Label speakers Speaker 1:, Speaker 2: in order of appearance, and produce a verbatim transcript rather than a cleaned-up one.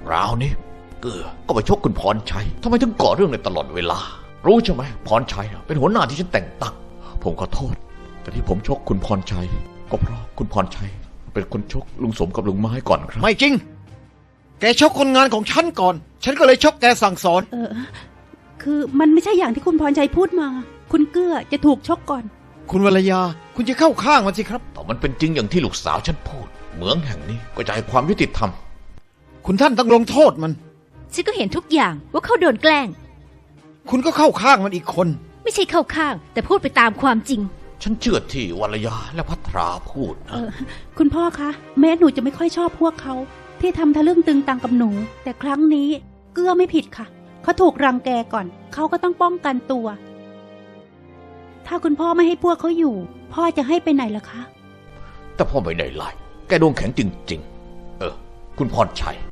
Speaker 1: คราวนี้เกือก็ไปชกคุณพรชัยทำไมถึงก่อเรื่องในตลอดเวลารู้ใช่ไหมพรชัยเป็นหัวหน้าที่ฉันแต่งตั้งผมขอโทษแต่ที่ผมชกคุณพรชัยก็เพราะคุณพรชัยเป็นคนชกลุงสมกับลุงไม้ก่อนครับ
Speaker 2: ไม่จริงแกชกคนงานของฉันก่อนฉันก็เลยชกแกสั่งสอน
Speaker 3: เออคือมันไม่ใช่อย่างที่คุณพรชัยพูดมาคุณเกื้อจะถูกชกก่อน
Speaker 2: คุณวรยาคุณจะเข้าข้างมันสิครับ
Speaker 1: แต่มันเป็นจริงอย่างที่ลูกสาวฉันพูดเหมืองแห่งนี้ก็จะให้ความยุติธรรม
Speaker 2: คุณท่านต้องลงโทษมัน
Speaker 4: ฉันก็เห็นทุกอย่างว่าเขาโดนแกล้ง
Speaker 2: คุณก็เข้าข้างมันอีกคน
Speaker 4: ไม่ใช่เข้าข้างแต่พูดไปตามความจริง
Speaker 1: ฉันเชื่อที่วรยาและพัทราพูดนะ
Speaker 3: คุณพ่อคะแม้หนูจะไม่ค่อยชอบพวกเขาที่ทำทะลึ่งตึงตังกับหนูแต่ครั้งนี้เกื้อไม่ผิดค่ะเขาถูกรังแกก่อนเขาก็ต้องป้องกันตัวถ้าคุณพ่อไม่ให้พวกเขาอยู่พ่อจะให้ไปไหนล่ะคะ
Speaker 1: แต่พ่อไม่ได้ไล่แกดวงแข็งจริงๆเออคุณพรชัย